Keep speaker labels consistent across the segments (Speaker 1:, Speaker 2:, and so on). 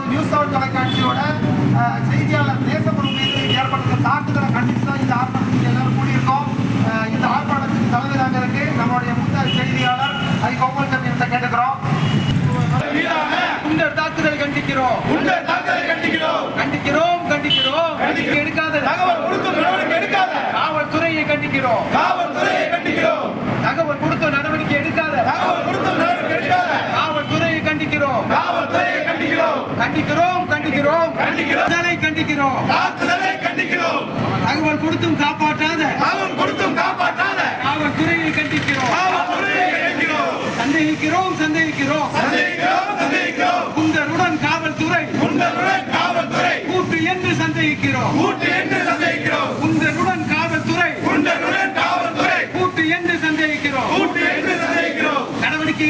Speaker 1: News 7 தொலைக்காட்சியோட செய்தியாளர் தேசப்பொருள் மீது ஏற்பட்ட தாக்குதலை கண்டித்து தான் இந்த ஆர்ப்பாட்டத்துக்கு எல்லாரும் கூடியிருக்கோம். இந்த ஆர்ப்பாட்டத்துக்கு தலைமை தாங்கிறதுக்கு நம்மளுடைய மூத்த செய்தியாளர் கோபால் கண்ணன் கேட்டுக்கிறோம்.
Speaker 2: குண்டர் தாக்குதலை கண்டிக்கிறோம். கண்டிக்கிறோம் கண்டிக்கிறோம் எடுக்காத
Speaker 3: தகவல் கொடுத்து நடவடிக்கை எடுக்காத
Speaker 2: காவல்துறையை கண்டிக்கிறோம். தகவல் கொடுத்து நடவடிக்கை எடுக்காத காவல்துறையை கண்டிக்கிறோம். கண்டிக்கிறோம் தகவல் கொடுத்தும் காப்பாற்றாத காவல்துறையை கண்டிக்கிறோம். சந்தேகிக்கிறோம் குண்டருடன் காவல்துறை கூட்டு என்று சந்தேகிக்கிறோம். குண்டருடன் காவல்துறை கூட்டு என்று சந்தேகிக்கிறோம். நடவடிக்கை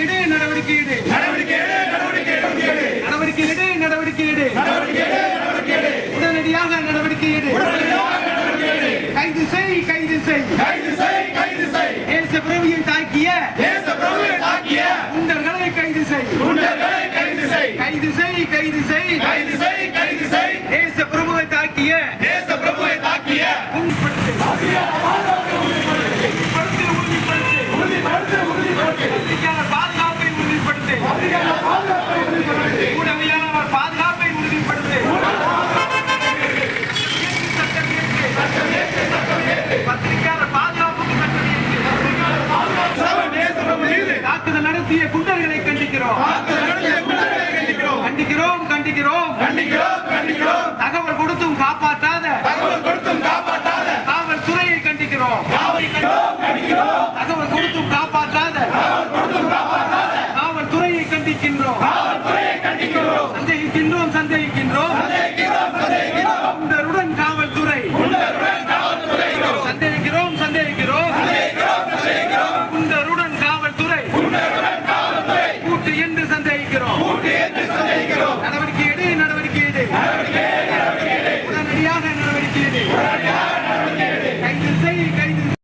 Speaker 2: எடு உடனடியாக நடவடிக்கை எடு. கைது செய் தேசப்பிரபுவை தாக்கிய குண்டர்களை கைது செய். தேசப்பிரபுவை தாக்கிய பாதுகாப்பை உறுதிப்படுத்து. ஊடகவியலாளர் பாதுகாப்பை உறுதிப்படுத்து. பத்திரிகையாளர் பாதுகாப்புக்கு தாக்குதல் நடத்திய குண்டர்களை கண்டிக்கிறோம். தகவல் கொடுத்தும் காப்பாற்றாத காவல்துறையை கண்டிக்கிறோம். தகவல் கொடுத்தும் காப்பாற்றாத காவல்துறையை கண்டிக்கின்றோம். சந்தேகிக்கின்றோம்